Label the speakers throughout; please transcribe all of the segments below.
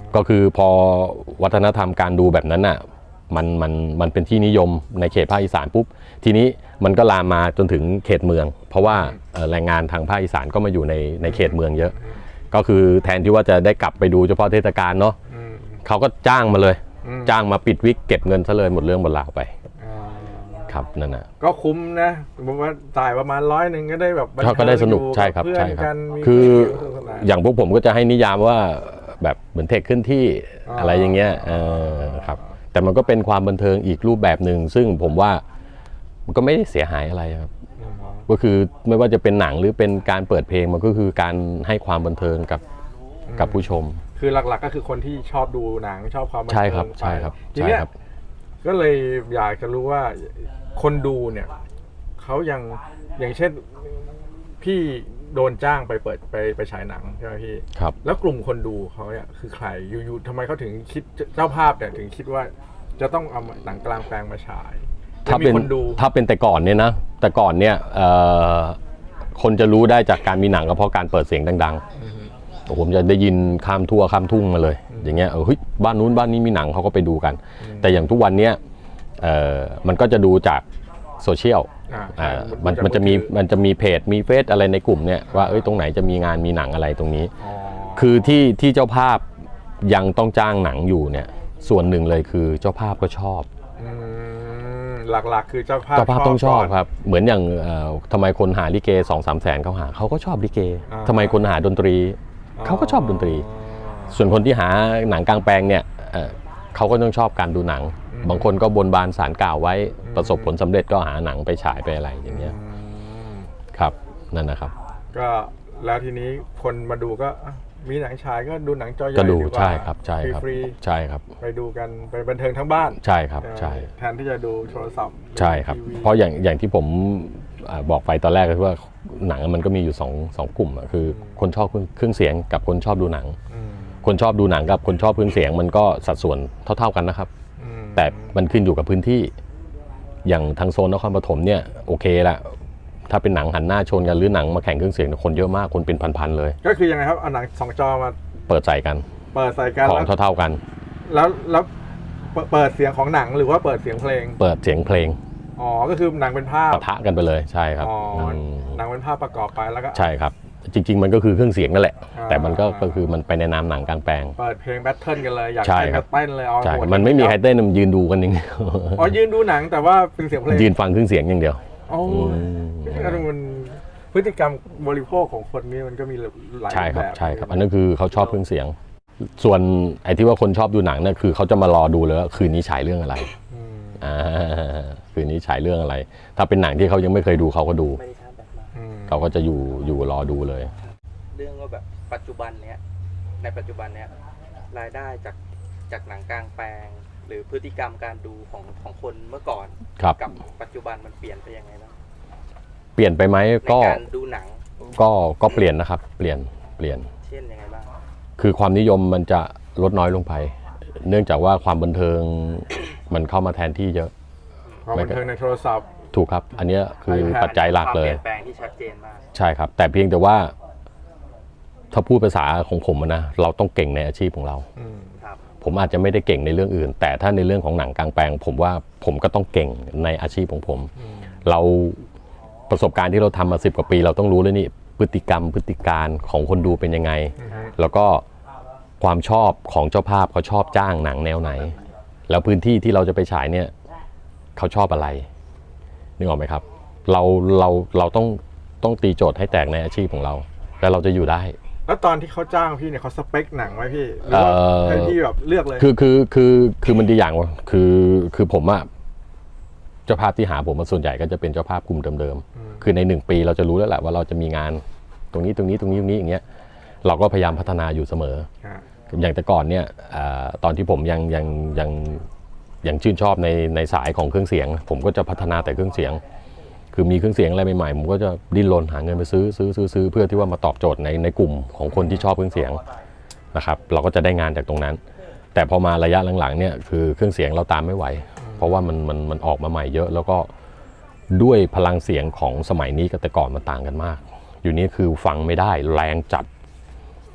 Speaker 1: ก็คือพอวัฒนธรรมการดูแบบนั้นอ่ะมันเป็นที่นิยมในเขตภาคอีสานปุ๊บทีนี้มันก็ลามมาจนถึงเขตเมืองเพราะว่าแรงงานทางภาคอีสานก็มาอยู่ในเขตเมืองเยอะก็คือแทนที่ว่าจะได้กลับไปดูเฉพาะเทศกาลเนาะเขาก็จ้างมาเลยจ้างมาปิดวิกเก็บเงินซะเลยหมดเรื่องหมดราวไปครับนั่นนะ
Speaker 2: ก็คุ้มนะผมว่าจ่ายประมาณ100ก็ได้แบบ
Speaker 1: ก็ได้สนุกใช่ครับใช่ครับคืออย่างพวกผมก็จะให้นิยามว่าแบบเหมือนเทคขึ้นที่อะไรอย่างเงี้ยครับแต่มันก็เป็นความบันเทิงอีกรูปแบบหนึ่งซึ่งผมว่ามันก็ไม่ได้เสียหายอะไรครับก็คือไม่ว่าจะเป็นหนังหรือเป็นการเปิดเพลงมันก็คือการให้ความบันเทิงกับผู้ชม
Speaker 2: คือหลักๆก็คือคนที่ชอบดูหนังชอบความบันเทิง
Speaker 1: ใช่ครับใช่ครับ
Speaker 2: ทีนี้ก็เลยอยากจะรู้ว่าคนดูเนี่ยเขาอย่างเช่นพี่โดนจ้างไปเปิดไปฉายหนังใช่ไหมพี่
Speaker 1: ครับ
Speaker 2: แล้วกลุ่มคนดูเขาเนี่ยคือใครอยู่ๆทำไมเขาถึงคิดเจ้าภาพเนี่ยถึงคิดว่าจะต้องเอาหนังกลางแปลงมาฉาย
Speaker 1: ถ้าเป็นแต่ก่อนเนี่ยนะแต่ก่อนเนี่ยคนจะรู้ได้จากการมีหนังก็เพราะการเปิดเสียงดังๆผมจะได้ยินข้ามทั่วข้ามทุ่งมาเลยอย่างเงี้ยเฮ้ยบ้านนู้นบ้านนี้มีหนังเขาก็ไปดูกันแต่อย่างทุกวันเนี้ยมันก็จะดูจากโซเชียลมันจะมีเพจมีเฟซอะไรในกลุ่มเนี่ยว่าตรงไหนจะมีงานมีหนังอะไรตรงนี้คือที่เจ้าภาพยังต้องจ้างหนังอยู่เนี่ยส่วนหนึ่งเลยคือเจ้าภาพก็ชอบ
Speaker 2: หลักๆคือเจ้าภาพ
Speaker 1: ต้องชอบครับเหมือนอย่างทำไมคนหาลิเก 2-3 แสนเขาก็ชอบลิเกทำไมคนหาดนตรีเขาก็ชอบดนตรีส่วนคนที่หาหนังกลางแปลงเนี่ยเขาก็ต้องชอบการดูหนังบางคนก็บนบานศาลกล่าวไว้ประสบผลสำเร็จก็หาหนังไปฉายไปอะไรอย่างเงี้ยครับนั่นนะครับ
Speaker 2: ก็แล้วทีนี้คนมาดูก็มีหนังฉายก็ดูหนังจอใหญ่
Speaker 1: ก็ดูใช่ครับใช่ครับ
Speaker 2: ฟรี
Speaker 1: ใช่ครับ
Speaker 2: ไปดูกันไปบันเทิงทั้งบ้าน
Speaker 1: ใช่ครับใช่
Speaker 2: แทนที่จะดูโทรศัพท์
Speaker 1: ใช่ครับเพราะอย่างที่ผมบอกไปตอนแรกก็คือว่าหนังมันก็มีอยู่สองกลุ่มคือคนชอบเครื่องเสียงกับคนชอบดูหนังคนชอบดูหนังกับคนชอบเครื่องเสียงมันก็สัดส่วนเท่ากันนะครับแต่มันขึ้นอยู่กับพื้นที่อย่างทางโซนนครปฐมเนี่ยโอเคละถ้าเป็นหนังหันหน้าชนกันหรือหนังมาแข่งเครื่องเสียงคนเยอะมากคนเป็นพันๆเลย
Speaker 2: ก็คือยังไงครับเอาหนัง2 จอมา
Speaker 1: เปิดใส่กันของเท่ากัน
Speaker 2: แล้วเปิดเสียงของหนังหรือว่าเปิดเสียงเพลง
Speaker 1: เปิดเสียงเพลง
Speaker 2: ก็คือหนังเป็นภาพ
Speaker 1: ปะทะกันไปเลยใช่ครับ
Speaker 2: หนังเป็นภาพประกอบไปแล้วก็
Speaker 1: ใช่ครับจริงๆมันก็คือเครื่องเสียงนั่นแหละแต่มันก็คือมันไปในนามหนังกลางแปลง
Speaker 2: เปิดเพลงแบทเทิลกันเลยอยากเต้นก็เต้นเลย
Speaker 1: ใช่มันไม่มีใครเต้นมันยืนดูกันอย่างเดียว
Speaker 2: ยืนดูหนังแต่ว่าเป็นเสียงเพลง
Speaker 1: ยืนฟังเครื่องเสียงอย่างเดียว
Speaker 2: มันพฤติกรรมบริโภคของคนนี้มันก็มีหลายแบบ
Speaker 1: ใช่ครับอันนั้นคือเขาชอบเครื่องเสียงส่วนไอ้ที่ว่าคนชอบดูหนังเนี่ยคือเขาจะมารอดูเลยว่าคืนนี้ฉายเรื่องอะไรคืนนี้ฉายเรื่องอะไรถ้าเป็นหนังที่เขายังไม่เคยดูเขาก็ดูเขาก็จะอยู่รอดูเลย
Speaker 3: เรื่องว่าแบบปัจจุบันเนี้ยในปัจจุบันเนี้ยรายได้จากหนังกลางแปลงหรือพฤติกรรมการดูของคนเมื่อก่อนกับปัจจุบันมันเปลี่ยนไปยังไงบ้าง
Speaker 1: เปลี่ยนไปไหมก็
Speaker 3: การดูหนัง
Speaker 1: ก็เปลี่ยนนะครับเปลี่ยน
Speaker 3: เช่นยังไงบ้าง
Speaker 1: คือความนิยมมันจะลดน้อยลงไปเนื่องจากว่าความบันเทิงมันเข้ามาแทนที่เยอะ
Speaker 2: ความบันเทิงในโทรศัพท์
Speaker 1: ถูกครับอันนี้คือปัจจัยหลักเลย
Speaker 3: ความเปลี่ยนแปลงที่ชัดเจนมาก
Speaker 1: ใช่ครับแต่เพียงแต่ว่าถ้าพูดภาษาของผมนะเราต้องเก่งในอาชีพของเราผมอาจจะไม่ได้เก่งในเรื่องอื่นแต่ถ้าในเรื่องของหนังกลางแปลงผมว่าผมก็ต้องเก่งในอาชีพของผมเราประสบการณ์ที่เราทำมา10 กว่าปีเราต้องรู้เลยนี่พฤติกรรมพฤติการของคนดูเป็นยังไงแล้วก็ความชอบของเจ้าภาพเขาชอบจ้างหนังแนวไหนแล้วพื้นที่ที่เราจะไปฉายเนี่ยเขาชอบอะไรนึกออกไหมครับเราต้องตีโจทย์ให้แตกในอาชีพของเราแล้วเราจะอยู่ได้
Speaker 2: แล้วตอนที่เขาจ้างพี่เนี่ยเขาสเปคหนังไว้พี่หรือว่าให้พี่แบบเลือกเลย
Speaker 1: คือมันดีอย่างว่าคือผมอะเจ้าภาพที่หาผมส่วนใหญ่ก็จะเป็นเจ้าภาพกลุ่มเดิมๆคือใน1 ปีเราจะรู้แล้วแหละว่าเราจะมีงานตรงนี้อย่างเงี้ยเราก็พยายามพัฒนาอยู่เสมออย่างแต่ก่อนเนี่ยตอนที่ผมยังชื่นชอบในสายของเครื่องเสียงผมก็จะพัฒนาแต่เครื่องเสียงคือมีเครื่องเสียงอะไรใหม่ๆผมก็จะดิ้นรนหาเงินไปซื้อเพื่อที่ว่ามาตอบโจทย์ในกลุ่มของคนที่ชอบเครื่องเสียงนะครับเราก็จะได้งานจากตรงนั้นแต่พอมาระยะหลังๆเนี่ยคือเครื่องเสียงเราตามไม่ไหวเพราะว่ามันออกมาใหม่เยอะแล้วก็ด้วยพลังเสียงของสมัยนี้กับแต่ก่อนมันต่างกันมากอยู่นี้คือฟังไม่ได้แรงจัด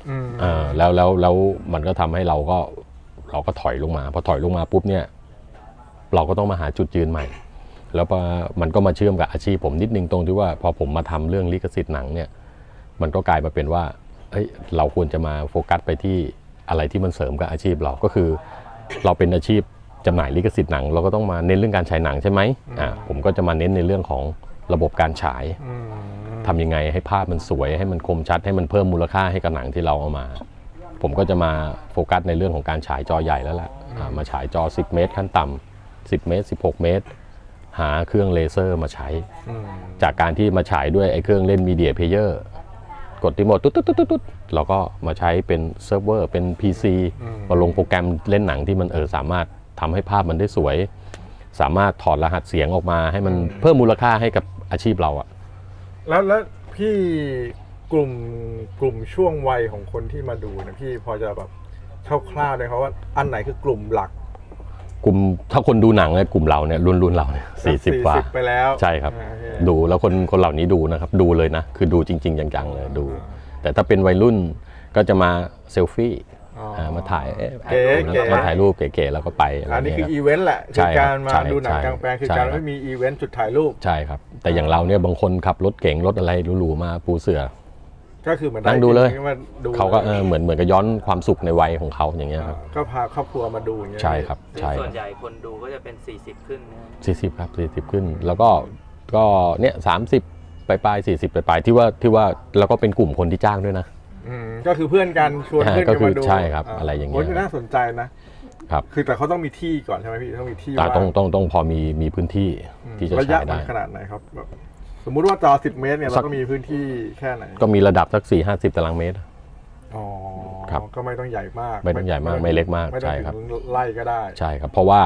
Speaker 1: แล้วมันก็ทำให้เราก็ถอยลงมาพอถอยลงมาปุ๊บเนี่ยเราก็ต้องมาหาจุดยืนใหม่แล้วมันก็มาเชื่อมกับอาชีพผมนิดนึงตรงที่ว่าพอผมมาทำเรื่องลิขสิทธิ์หนังเนี่ยมันก็กลายมาเป็นว่าเราควรจะมาโฟกัสไปที่อะไรที่มันเสริมกับอาชีพเราก็คือเราเป็นอาชีพจำหน่ายลิขสิทธิ์หนังเราก็ต้องมาเน้นเรื่องการฉายหนังใช่ไหมผมก็จะมาเน้นในเรื่องของระบบการฉายทำยังไงให้ภาพมันสวยให้มันคมชัดให้มันเพิ่มมูลค่าให้กับหนังที่เราเอามาผมก็จะมาโฟกัสในเรื่องของการฉายจอใหญ่แล้วแหละมาฉายจอ10 เมตรขั้นต่ำ10 เมตร16 เมตรหาเครื่องเลเซอร์มาใช้จากการที่มาฉายด้วยไอ้เครื่องเล่นมีเดียเพลเยอร์กดรีโมทตุ๊ดเราก็มาใช้เป็นเซิร์ฟเวอร์เป็น PC มาลงโปรแกรมเล่นหนังที่มันสามารถทำให้ภาพมันได้สวยสามารถถอดรหัสเสียงออกมาให้มันเพิ่มมูลค่าให้กับอาชีพเราอะ
Speaker 2: แล้วพี่กลุ่มช่วงวัยของคนที่มาดูนะพี่พอจะแบบคร่าวๆเลยครับว่าอันไหนคือกลุ่มหลัก
Speaker 1: กลุ่มถ้าคนดูหนังเนี่ยกลุ่มเราเนี่ยรุ่นเราเนี่ย40 กว่า
Speaker 2: ไปแล้ว
Speaker 1: ใช่ครับดูแล้วคนเหล่านี้ดูนะครับดูเลยนะคือดูจริงๆจังๆเลยดูแต่ถ้าเป็นวัยรุ่นก็จะมาเซลฟี่มาถ่ายมาถ่ายรูปเก๋ๆแล้วก็ไป
Speaker 2: อันนี้คืออีเวนต์แหละคือการมาดูหนังกลางแปลงคือการไม่มีอีเวนต์จุดถ่ายรูป
Speaker 1: ใช่ครับแต่อย่างเราเนี่ยบางคนขับรถเก๋งรถอะไรหรูๆมาปูเสื่อ
Speaker 2: ก็คือเหมือน
Speaker 1: นั่งดูเลยเขาก็เหมือนกับย้อนความสุขในวัยของเขาอย่างเงี้ยครับ
Speaker 2: ก็พาครอบครัวมาดูอย่างเงี้ย
Speaker 1: ใช่ครับใช่
Speaker 3: ส่วนใหญ่คนดูก็จะเป็น40ขึ้น
Speaker 1: 40ครับ40ขึ้นแล้วก็เนี่ย30ปลาย40ปลายที่ว่าแล้วก็เป็นกลุ่มคนที่จ้างด้วยนะ
Speaker 2: ก็คือเพื่อนกันชวนเพื่อนกันมาดู
Speaker 1: ใช่ครับอะไรอย่างเงี้ย
Speaker 2: น่าสนใจนะครับคือแต่เขาต้องมีที่ก่อนใช่ไหมพี่ต้องมีที่
Speaker 1: ต้องพอมีพื้นที่ที่จะใช้ได้
Speaker 2: ขนาดไหนครับแบบสมมุติว่าจอ10 เมตรเนี่ยเราก็มีพื้นที่แค่ไหน
Speaker 1: ก็มีระดับสัก4-50 ตารางเมตร
Speaker 2: ครับก็ไม่ต้องใหญ่มาก
Speaker 1: ไม่ต้องใหญ่มากไม่เล็กมากใช่ครับ
Speaker 2: ไล่ก็ได้
Speaker 1: ใช่ครับเพราะว่า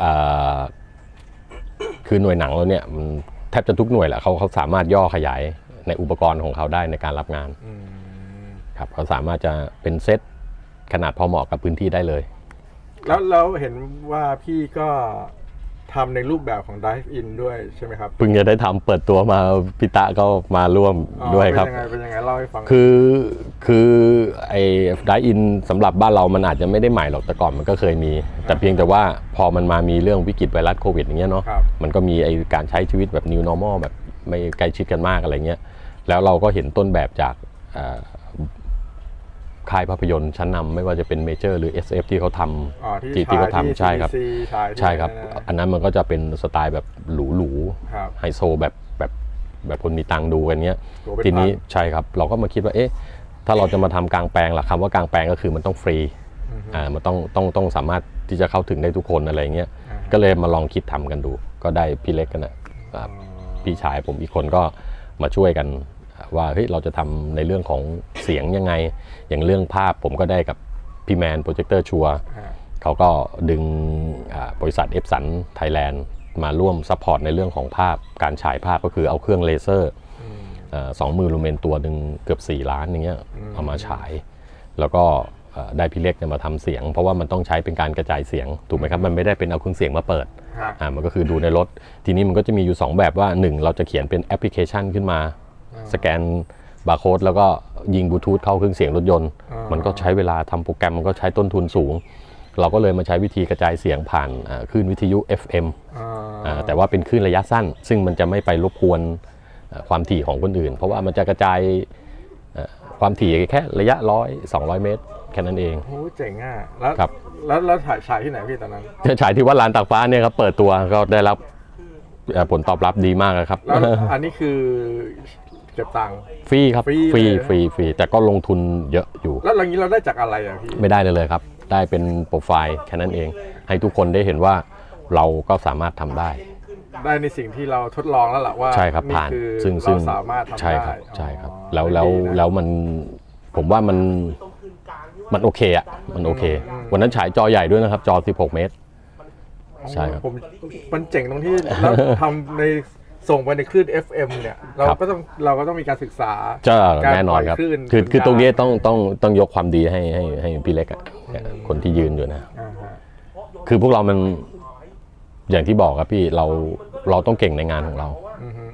Speaker 1: คือหน่วยหนังเราเนี่ยแทบจะทุกหน่วยแหละเขาสามารถย่อขยายในอุปกรณ์ของเขาได้ในการรับงานครับเขาสามารถจะเป็นเซตขนาดพอเหมาะกับพื้นที่ได้เลย
Speaker 2: แล้วเห็นว่าพี่ก็ทำในรูปแบบของ Dive In ด้วยใช่ไหมครับ
Speaker 1: เพิ่งจะได้ทำเปิดตัวมาพิตะก็มาร่วมด้วยครับ
Speaker 2: เป็นยังไงเล่าให้ฟัง
Speaker 1: คือไอ้ Dive In สำหรับบ้านเรามันอาจจะไม่ได้ใหม่หรอกแต่ก่อนมันก็เคยมีแต่เพียงแต่ว่าพอมันมามีเรื่องวิกฤตไวรัสโควิดอย่างเงี้ยเนาะมันก็มีไอ้การใช้ชีวิตแบบ New Normal แบบไม่ใกล้ชิดกันมากอะไรเงี้ยแล้วเราก็เห็นต้นแบบจากค่ายภาพยนตร์ชั้นนำไม่ว่าจะเป็นเมเจอร์หรือ SF ที่เขาทำที่เขาทำใช่ครับใช่ครับอันนั้นมันก็จะเป็นสไตล์แบบหรูๆไฮโซแบบคนมีตังค์ดูกันเนี้ยทีนี้ใช่ครับเราก็มาคิดว่าถ้าเราจะมาทำกลางแปลงล่ะคำว่ากลางแปลงก็คือมันต้องฟรีมันต้องสามารถที่จะเข้าถึงได้ทุกคนอะไรเงี้ยก็เลยมาลองคิดทำกันดูก็ได้พี่เล็กกันนะพี่ชายผมอีกคนก็มาช่วยกันว่าเฮ้ยเราจะทำในเรื่องของเสียงยังไงอย่างเรื่องภาพผมก็ได้กับพี่แมนโปรเจคเตอร์ชัวเขาก็ดึงบริษัทเอฟสันไทยแลนด์มาร่วมซัพพอร์ตในเรื่องของภาพการฉายภาพก็คือเอาเครื่องเลเซอร์20,000 ลูเมนตัวหนึ่งเกือบ4 ล้านอย่างเงี้ยเอามาฉายแล้วก็ได้พี่เล็กมาทำเสียงเพราะว่ามันต้องใช้เป็นการกระจายเสียงถูกไหมครับมันไม่ได้เป็นเอาเครื่องเสียงมาเปิดมันก็คือดูในรถทีนี้มันก็จะมีอยู่2แบบว่า1เราจะเขียนเป็นแอปพลิเคชันขึ้นมาสแกนบาร์โค้ดแล้วก็ยิงบลูทูธเข้าเครื่องเสียงรถยนต์มันก็ใช้เวลาทำโปรแกรมมันก็ใช้ต้นทุนสูงเราก็เลยมาใช้วิธีกระจายเสียงผ่านคลื่นวิทยุ FM แต่ว่าเป็นคลื่นระยะสั้นซึ่งมันจะไม่ไปรบกวนความถี่ของคนอื่นเพราะว่ามันจะกระจายความถี่แค่ระยะ100-200 เมตรแค่นั้นเอง
Speaker 2: โอ้เจ๋งอ่ะแล้วฉายที่ไหนพี่ตอนนั้น
Speaker 1: ฉายที่วัดลานตากฟ้าเนี่ยครับเปิดตัวก็ได้รับผลตอบรับดีมากครับ
Speaker 2: แล้วอันนี้คือเก็บตังค์
Speaker 1: ฟรีครับฟรีแต่ก็ลงทุนเยอะอยู่
Speaker 2: แล้วอย่างนี้เราได้จากอะไรอ่ะพี่
Speaker 1: ไม่ได้เลยครับได้เป็นโปรไฟล์แค่นั้นเองให้ทุกคนได้เห็นว่าเราก็สามารถทำได้
Speaker 2: ในสิ่งที่เราทดลองแล้วล่ะว่า
Speaker 1: ใช่ครับผ่านซึ่ง
Speaker 2: เราสามารถทำได้
Speaker 1: ใช่ครับแล้วมันผมว่ามันโอเคอ่ะมันโอเควันนั้นฉายจอใหญ่ด้วยนะครับจอ16 เมตรใช่ครับ
Speaker 2: มันเจ๋งตรงที่เราทำในส่งไปในคลื่น FM เนี่ยเราก็ต้องมีการศึกษา
Speaker 1: แน่นอนครับคือตรงนี้ต้องยกความดีให้พี่เล็กอ่ะคนที่ยืนอยู่นะคือพวกเรามันอย่างที่บอกครับพี่เราต้องเก่งในงานของเรา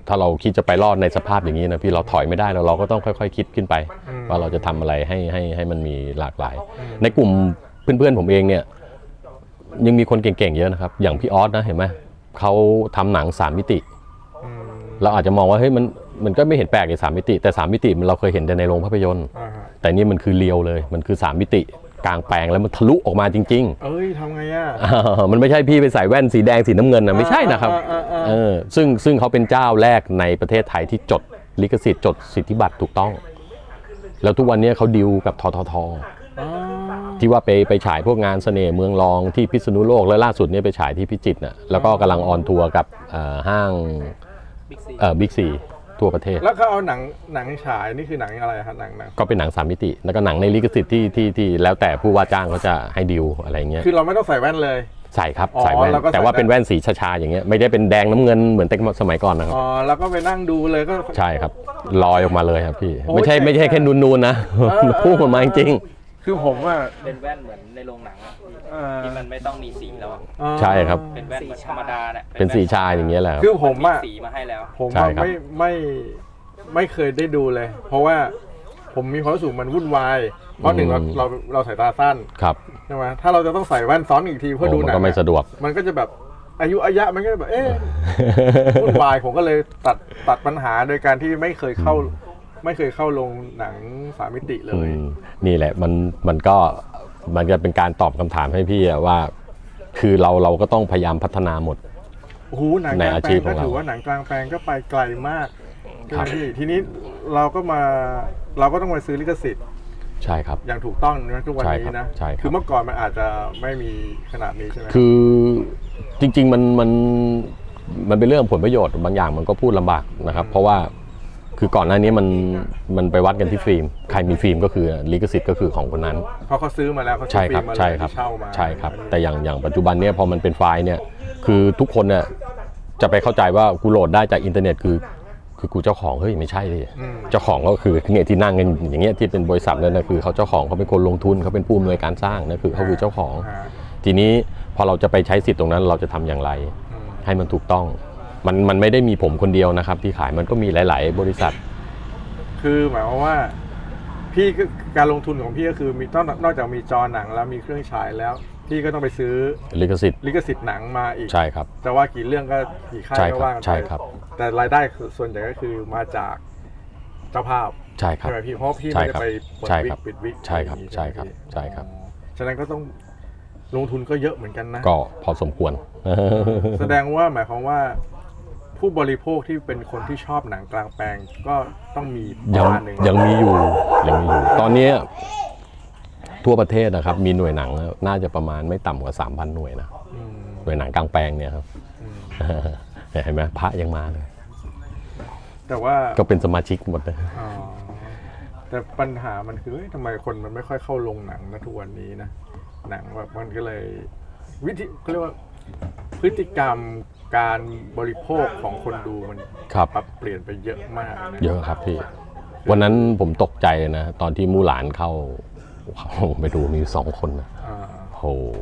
Speaker 1: ถ้าเราคิดจะไปรอดในสภาพอย่างนี้นะพี่เราถอยไม่ได้เราก็ต้องค่อยๆคิดขึ้นไป ว่าเราจะทำอะไรให้มันมีหลากหลาย ในกลุ่มเพื่อนๆผมเองเนี่ยยังมีคนเก่งๆเยอะนะครับอย่างพี่ออสนะเห็นไหมเขาทำหนัง3 มิติเราอาจจะมองว่าเฮ้ยมันก็ไม่เห็นแปลกใน3 มิติแต่3 มิติเราเคยเห็นแต่ในโรงภาพยนตร์แต่นี่มันคือเรียวเลยมันคือ3 มิติกลางแปลงแล้วมันทะลุออกมาจริงๆ
Speaker 2: เอ้ยทำไงอ่ะ
Speaker 1: มันไม่ใช่พี่ไปใส่แว่นสีแดงสีน้ำเงินนะไม่ใช่นะครับซึ่งเขาเป็นเจ้าแรกในประเทศไทยที่จดลิขสิทธิ์จดสิทธิบัตรถูกต้องแล้วทุกวันนี้เขาดีลกับทททที่ว่าไปฉายพวกงานเสน่ห์เมืองรองที่พิษณุโลกและล่าสุดนี้ไปฉายที่พิจิตรนะแล้วก็กำลังออนทัวร์กับห้างบิ๊กซีทั่วประเทศ
Speaker 2: แล้วเขาเอาหนังฉายนี่คือหนังอะไรครับหนัง
Speaker 1: ก็เป็นหนัง3 มิติแล้วก็หนังในลิขสิทธิ์ที่แล้วแต่ผู้ว่าจ้างเขาจะให้ดีลอะไรเงี้ย
Speaker 2: คือเราไม่ต้องใส่แว่นเลย
Speaker 1: ใส่ครับใส่แว่นแต่ว่าเป็นแว่นสีชาๆอย่างเงี้ยไม่ได้เป็นแดงน้ำเงินเหมือนแต่สมัยก่อนนะครับ
Speaker 2: อ๋อแล้วก็ไปนั่งดูเลยก็
Speaker 1: ใช่ครับลอยออกมาเลยครับพี่ไม่ใช่แค่นูนๆนะพุ่งออกมาจริง
Speaker 2: คือผมว่า
Speaker 3: เป็นแว่นเหมือนในโรงหนังที่มันไม่ต้องมีสีแล้ว
Speaker 1: ใช่ครับ
Speaker 3: เป็นแว่นเหมือนธรรมดาเนี่ย
Speaker 1: เป็นสีชาอย่างเงี้ยแหละ
Speaker 2: คือผม
Speaker 3: สีมาให้แล้ว
Speaker 2: ผมไม่เคยได้ดูเลย เพราะว่าผมมีความรู้สึกมันวุ่นวายเพราะหนึ่งเราสายตาสั้น
Speaker 1: ครับ
Speaker 2: ใช่ไหมถ้าเราจะต้องใส่แว่นซ้อนอีกทีเพื่อดูหนัง
Speaker 1: ก็ไม่สะดวก
Speaker 2: มันก็จะแบบอายุมันก็แบบวุ่นวายผมก็เลยตัดปัญหาโดยการที่ไม่เคยเข้าลงหนัง3 มิติเลย
Speaker 1: นี่แหละมันจะเป็นการตอบคำถามให้พี่ว่าคือเราก็ต้องพยายามพัฒนาหมด
Speaker 2: โอ้โหหนังกลางแปลงก็ถือว่าหนังกลางแปลงก็ไปไกลมากทีนี้เราก็ต้องมาซื้อลิขสิทธิ์
Speaker 1: ใช่ครับ
Speaker 2: อย่างถูกต้องนะทุกวันนี้นะคือเมื่อก่อนมันอาจจะไม่มีขนาดนี้ใช่ไหม
Speaker 1: คือจริงๆมันเป็นเรื่องผลประโยชน์บางอย่างมันก็พูดลำบากนะครับเพราะว่าคือก่อนหน้านี้มันไปวัดกันที่ฟิล์มใครมีฟิล์มก็คือลิขสิทธิ์ก็คือของคนนั้น
Speaker 2: เพราะเขาซื้อมาแล้วเขา
Speaker 1: ใช่ครับใช่ครับใช่ครับแต่อย่างปัจจุบันเนี่ยพอมันเป็นไฟล์เนี่ยคือทุกคนเนี่ยจะไปเข้าใจว่ากูโหลดได้จากอินเทอร์เน็ตคือกูเจ้าของเฮ้ยไม่ใช่ดิเจ้าของก็คือเนี่ยที่นั่งกันอย่างเงี้ยที่เป็นบริษัทเลยนะคือเขาเจ้าของเขาเป็นคนลงทุนเขาเป็นผู้อำนวยการสร้างนะคือเขาคือเจ้าของทีนี้พอเราจะไปใช้สิทธิ์ตรงนั้นเราจะทำอย่างไรให้มันถูกต้องมันไม่ได้มีผมคนเดียวนะครับที่ขายมันก็มีหลายๆบริษัท
Speaker 2: คือหมายความว่าพี่การลงทุนของพี่ก็คือมีนอกจากมีจอหนังแล้วมีเครื่องฉายแล้วพี่ก็ต้องไปซื้อ
Speaker 1: ลิขสิทธิ์
Speaker 2: หนังมาอีก
Speaker 1: ใช่ครับ
Speaker 2: จะว่ากี่เรื่องก็กี่ค่ายก็ว่ากันไป
Speaker 1: ใช่ครับ
Speaker 2: แต่รายได้ส่วนใหญ่ก็คือมาจากเจ้าภาพ
Speaker 1: ใช่ครับ
Speaker 2: ใช่ไหมพี่เพราะพี่ไม่ได้ไปเปิดวิกปิดวิก
Speaker 1: ใช่ครับใช่ครับใช่ครับ
Speaker 2: ฉะนั้นก็ต้องลงทุนก็เยอะเหมือนกันนะ
Speaker 1: ก็พอสมควร
Speaker 2: แสดงว่าหมายความว่าผู้บริโภคที่เป็นคนที่ชอบหนังกลางแปลงก็ต้องมีประมาณนึง
Speaker 1: ยังมีอยู่ตอนนี้ทั่วประเทศนะครับมีหน่วยหนังน่าจะประมาณไม่ต่ำกว่า 3,000 หน่วยนะหน่วยหนังกลางแปลงเนี่ยครับเห็นไหมพระยังมาเลย
Speaker 2: แต่ว่า
Speaker 1: ก็เป็นสมาชิกหมดเลย
Speaker 2: แต่ปัญหามันคือทำไมคนมันไม่ค่อยเข้าลงหนังนะทุกวันนี้นะหนังแบบมันก็เลยเขาเรียกว่าพฤติกรรมการบริโภคของคนดูมันปรับเปลี่ยนไปเยอะมาก
Speaker 1: เยอะครับพี่วันนั้นผมตกใจนะตอนที่มู่หลานเข้าไปดูมี2 คนนะโห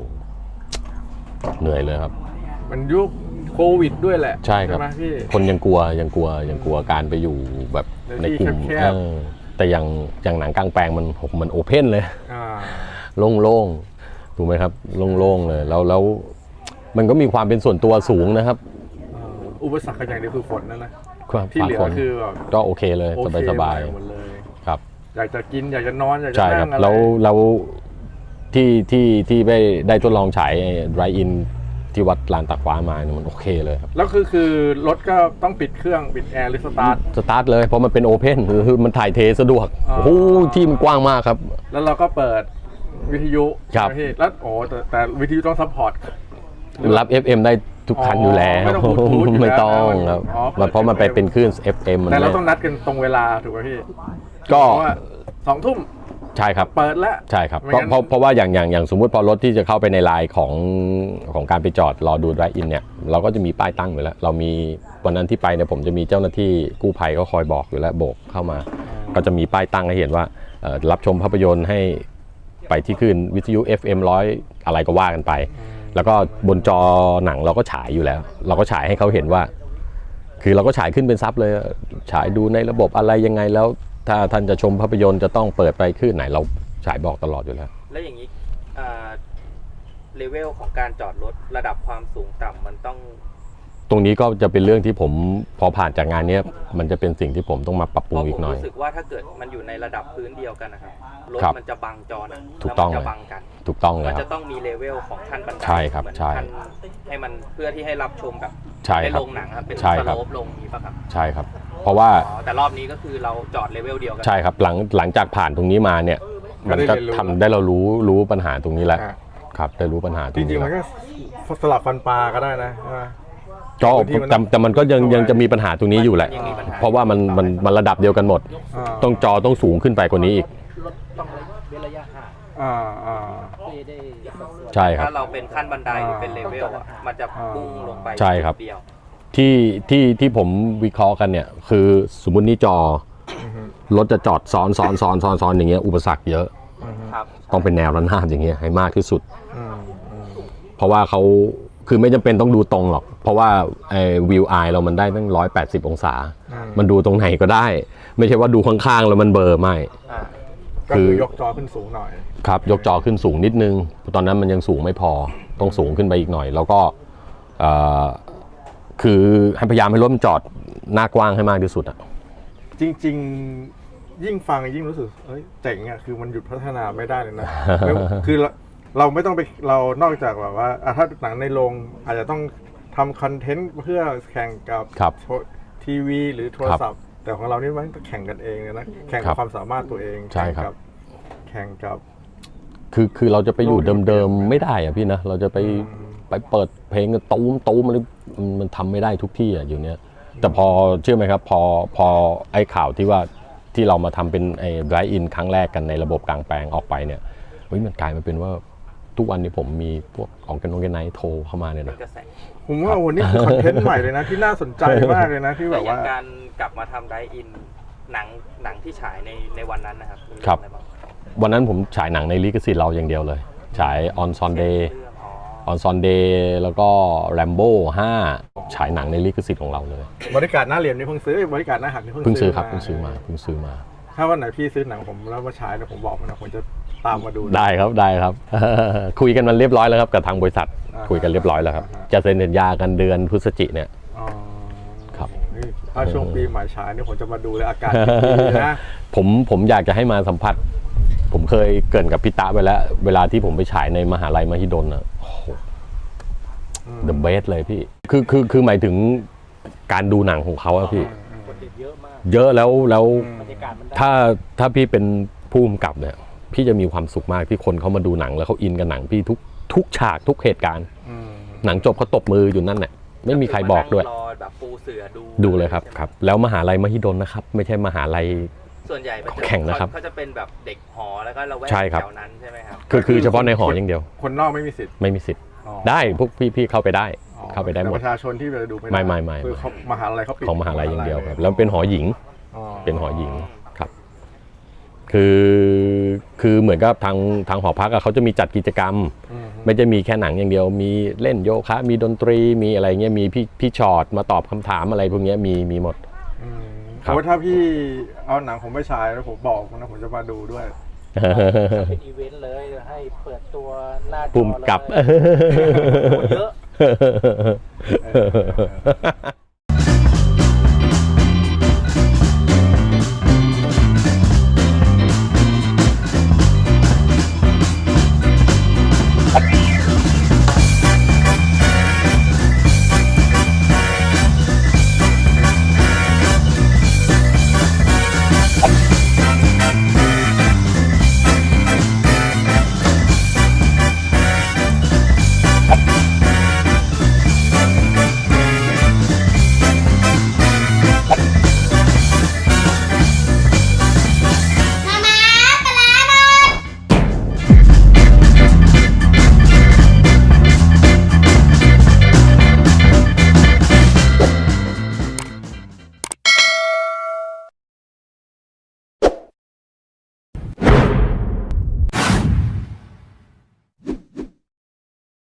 Speaker 1: เหนื่อยเลยครับ
Speaker 2: มันยุคโควิดด้วยแหละ
Speaker 1: ใช่ครับคนยังกลัวการไปอยู่แบบในกลุ่มแต่อย่างหนังกลางแปลงมันโอเพ่นเลยโล่งๆถูกไหมครับโล่งๆเลยแล้วมันก็มีความเป็นส่วนตัวสูงนะครับ
Speaker 2: อุปสรรคอย่างเดียวคือฝนนั่นนะ
Speaker 1: ที่เหลือคือก็โอเคเลยสบายครับ
Speaker 2: อยากจะกินอยากจะนอนอยากจะ
Speaker 1: นั่งอะไรแล้วที่ได้ทดลองฉายไรอินที่วัดลานตากฟ้ามาเนี่ยมันโอเคเลยครับ
Speaker 2: แล้วคือรถก็ต้องปิดเครื่องปิดแอร์หรือสตาร์ท
Speaker 1: เลยเพราะมันเป็นโอเพนคือมันถ่ายเทสะดวกโอ้โหที่มันกว้างมากครับ
Speaker 2: แล้วเราก็เปิดวิทยุแล้วแต่วิทยุต้องซัพพอร์ต
Speaker 1: รับ FM ได้ทุกคันอยู่แล้วไม่ต้องครับเพราะมันไปเป็นคลื่น FM
Speaker 2: แต่เราต้องนัดกันตรงเวลาถูกไหมพี่
Speaker 1: ก็
Speaker 2: 2 ทุ่ม
Speaker 1: ใช่ครับ
Speaker 2: เปิดแล้ว
Speaker 1: ใช่ครับเพราะว่าอย่างสมมุติพอรถที่จะเข้าไปในไลน์ของการไปจอดรอดูไดรฟ์อินเนี่ยเราก็จะมีป้ายตั้งอยู่แล้วเรามีวันนั้นที่ไปเนี่ยผมจะมีเจ้าหน้าที่กู้ภัยก็คอยบอกอยู่แล้วโบกเข้ามาก็จะมีป้ายตั้งให้เห็นว่ารับชมภาพยนตร์ให้ไปที่คลื่นวิทยุ FM 100อะไรก็ว่ากันไปแล้วก็บนจอหนังเราก็ฉายอยู่แล้วเราก็ฉายให้เขาเห็นว่าคือเราก็ฉายขึ้นเป็นซับเลยฉายดูในระบบอะไรยังไงแล้วถ้าท่านจะชมภาพยนตร์จะต้องเปิดไปคลื่นไหนเราฉายบอกตลอดอยู่แล้ว
Speaker 3: แล้วอย่างนี้เลเวลของการจอดรถระดับความสูงต่ำมันต้อง
Speaker 1: ตรงนี้ก็จะเป็นเรื่องที่ผมพอผ่านจากงานนี้มันจะเป็นสิ่งที่ผมต้องมาปรับปรุงอีกหน่อย
Speaker 3: ผมรู้สึกว่าถ้าเกิดมันอยู่ในระดับพื้นเดียวกันนะครับรถ
Speaker 1: ครับ
Speaker 3: มันจะบังจอหนะ
Speaker 1: ถูกต้อง
Speaker 3: แล้วมันจะบังกัน
Speaker 1: ถูกต้องเล
Speaker 3: มั
Speaker 1: ย
Speaker 3: น
Speaker 1: ครั
Speaker 3: จะ
Speaker 1: บ
Speaker 3: ต้องมีเลเวลของขั้นบันได
Speaker 1: ใช่ครับ
Speaker 3: เหมือน
Speaker 1: ใช่
Speaker 3: ขั้นให้มันเพื่อที่ให้รับชมแบบ
Speaker 1: ใช่
Speaker 3: ได้
Speaker 1: ครับ
Speaker 3: ลงหนังครับเป็น
Speaker 1: ใช่
Speaker 3: ส
Speaker 1: ครับ
Speaker 3: โลปลงนี้ป่ะครับ
Speaker 1: ใช่ครับ เพราะว่า
Speaker 3: อ๋อแต่รอบนี้ก็คือเราจอดเลเวลเดียวกั
Speaker 1: ใช่ครับหลังจากผ่านตรงนี้มาเนี่ยมันก็ทำได้เรารู้ปัญหาตรงนี้แหละ
Speaker 2: อ่ะ
Speaker 1: ครับได้รู้ปัญหาตร
Speaker 2: จ
Speaker 1: ง
Speaker 2: ริ
Speaker 1: นี้
Speaker 2: งๆมัน
Speaker 1: แล้ว
Speaker 2: ก็สลับฟันปลาก็ได้นะใช่ไหม
Speaker 1: ก็
Speaker 2: บางทีมัน
Speaker 1: แต่มันก็ยังจะมีปัญหาตรงนี้อยู่แหละ
Speaker 3: ยังมีปัญหา
Speaker 1: เพราะว่ามันระดับเดียวกันหมด ต้องจอต้องสูงขึ้นไปกว่านี้อีก
Speaker 4: รถต้องเว้นระยะห่าง
Speaker 2: อ่า
Speaker 4: ไม่ได้สัดส่วน
Speaker 1: ใช่ครับ
Speaker 3: ถ้าเราเป็นขั้นบันไดหรือเป็นเลเวลอะมันจะพุ่งลงไป
Speaker 1: ใช่ครับ
Speaker 3: จุดเดียว
Speaker 1: ที่ผมวิเคราะห์กันเนี่ยคือสมมุตินี่จอรถจะจอดซ้อนอย่างเงี้ยอุปสรรคเยอะ
Speaker 3: ครับ
Speaker 1: ต้องเป็นแนวระนาบอย่างเงี้ยให้มากที่สุด
Speaker 2: อืม
Speaker 1: เพราะว่าเขาคือไม่จำเป็นต้องดูตรงหรอก เพราะว่าวิวไอเรามันได้ตั้ง180 องศา มันดูตรงไหนก็ได้ ไม่ใช่ว่าดูข้างๆแล้วมันเบลอไม่
Speaker 3: อ่า
Speaker 2: ก็คือยกจอขึ้นสูงหน่อย
Speaker 1: ครับยกจอขึ้นสูงนิดนึงตอนนั้นมันยังสูงไม่พอต้องสูงขึ้นไปอีกหน่อย แล้วก็คือให้พยายามให้รถมันจอดหน้ากว้างให้มากที่สุดอะ
Speaker 2: จริงๆยิ่งฟังยิ่งรู้สึกเอ้ยเจ๋งอ่ะคือมันหยุดพัฒนาไม่ได้เลยนะ คือเราไม่ต้องไปเรานอกจากแบบว่าถ้าหนังในโรงอาจจะต้องทำคอนเทนต์เพื่อแข่งกับ
Speaker 1: ครับ
Speaker 2: ทีวีหรือโทรศัพท์ แต่ของเรานี่มันแข่งกันเองเลยนะแข่ง
Speaker 1: ครั
Speaker 2: กับบ ความสามารถตัวเอง
Speaker 1: ใช่ครับ
Speaker 2: แข่งกับ
Speaker 1: คือเราจะไปอยู่เดิมๆไม่ได้อะพี่นะเราจะไปเปิดเพลงตูมอะไรมันทำไม่ได้ทุกที่อะอยู่เนี้ยแต่พอเชื่อไหมครับพอไอ้ข่าวที่ว่าที่เรามาทำเป็นไอ้ไดรฟ์อินครั้งแรกกันในระบบกลางแปลงออกไปเนี่ยเฮ้ยมันกลายมาเป็นว่าทุกวันนี้ผมมีพวกของกันโนกันไนโทรเข้ามาเนี่ย
Speaker 3: เป็น
Speaker 1: นะ
Speaker 3: กระแส
Speaker 2: ผมว่าโอ้โหนี่คือคอนเทนต์ใหม่เลยนะที่น่าสนใจมากเลยนะที่แบบ
Speaker 3: อย่า
Speaker 2: ว่า
Speaker 3: งการกลับมาทำไดอินหนังที่ฉายในวันนั้นนะครับมี
Speaker 1: ครับ
Speaker 3: เองอะไาง
Speaker 1: วันนั้นผมฉายหนังในลิขสิทธิ์เราอย่างเดียวเลยฉายออนซอนเดย์
Speaker 3: เรื่องอ๋อ
Speaker 1: ออนซอนเดย์แล้วก็แรมโบ้5ฉายหนังในลิขสิทธิ์ของเราเลย
Speaker 2: บริการหน้าเหลี่ยมนี่เพิ่งซื้อบริการหน้าหักนี่
Speaker 1: เพิ่
Speaker 2: เพิ่
Speaker 1: ง
Speaker 2: ง
Speaker 1: ซื้
Speaker 2: ซื้
Speaker 1: อ
Speaker 2: อ
Speaker 1: ครับเพิ่งซื้อมา
Speaker 2: ถ้าวันไหนพี่ซื้อหนังผมแล้วมาฉายเนี่ยผมบอกมันนะผมจะตามมาดู
Speaker 1: ได้ครับ คุยกันมันเรียบร้อยแล้วครับกับทางบริษัท
Speaker 2: อ่า
Speaker 1: คุยกันเรียบร้อยแล้วครับ
Speaker 2: อ่าฮะ
Speaker 1: จะเซ็นสัญญากันเดือนพฤศจิเนี่ย
Speaker 2: อ๋อ
Speaker 1: ครับ
Speaker 2: นี่ถ้าช่วงปีใหม่ฉายเนี่ยผมจะมาดูเลยอากาศดีๆนะ
Speaker 1: ผมอยากจะให้มาสัมผัส ผมเคยเกรินกับพี่ตาไปแล้ว เวลาที่ผมไปฉายในมหาลัยมหิดลนะโอ้โห the best เลยพี่คือหมายถึงการดูหนังของเขาอะพี่
Speaker 4: คนติดเยอะมาก
Speaker 1: เยอะแล้ว
Speaker 4: บรรยากาศมันได้
Speaker 1: ถ้าพี่เป็นผู้กำกับเนี่ยพี่จะมีความสุขมากที่คนเขามาดูหนังแล้วเขาอินกับหนังพี่ทุกฉากทุกเหตุการณ์
Speaker 2: อืม
Speaker 1: หนังจบเขาตบมืออยู่นั่นแหละไม่มีใครบอกด้วย
Speaker 3: รอแบบปูเสือดู
Speaker 1: ดูเลยครับ
Speaker 3: ใช่ไหม
Speaker 1: ครับ แล้วมหาลัยมหิดลนะครับ ไม่ใช่มหาลัย
Speaker 3: ส่วนใหญ่มันจะ
Speaker 1: แข่งนะครับ
Speaker 3: เขาจะเป็นแบบเด็กหอแล้วก็เราแวก
Speaker 1: ใช่ครับ
Speaker 3: แถวนั้นใช่ไหมครับ
Speaker 1: คือเฉพาะในหออย่างเดียว
Speaker 2: คนนอกไม่มีสิทธิ์
Speaker 1: ไม่มีสิทธิ์
Speaker 2: อ๋อ
Speaker 1: ได้พวกพี่เข้าไปได้
Speaker 2: อ๋อ
Speaker 1: เข้าไปได้หม
Speaker 2: แต่
Speaker 1: ด
Speaker 2: ประชาชนที่จะดูไม่ได้
Speaker 1: ไม่
Speaker 2: คือเขามหาลัยเขาปิด
Speaker 1: ของมหาลัยอย่างเดียวครับแล้วเป็นหอหญิง
Speaker 2: อ๋อ
Speaker 1: เป็นหอหญิงครับ คือเหมือนกับทางหอพักอะเขาจะมีจัดกิจกรรม
Speaker 2: อืม
Speaker 1: ไม่จะมีแค่หนังอย่างเดียว มีเล่นโยคะมีดนตรีมีอะไรเงี้ยมีพี่ชอตมาตอบคำถามอะไรพวกเนี้ยมีหมด
Speaker 2: อืม
Speaker 1: ครับ
Speaker 2: โอ้ถ้าพี่เอาหนังผมไปฉายแล้วผมบอกนะผมจะมาดูด้วย
Speaker 4: เป็นอีเวนต์เลยให้เปิดตัวหน้าจอ
Speaker 1: ปุ่มกลับ
Speaker 4: เลยคนเยอะ
Speaker 2: เออ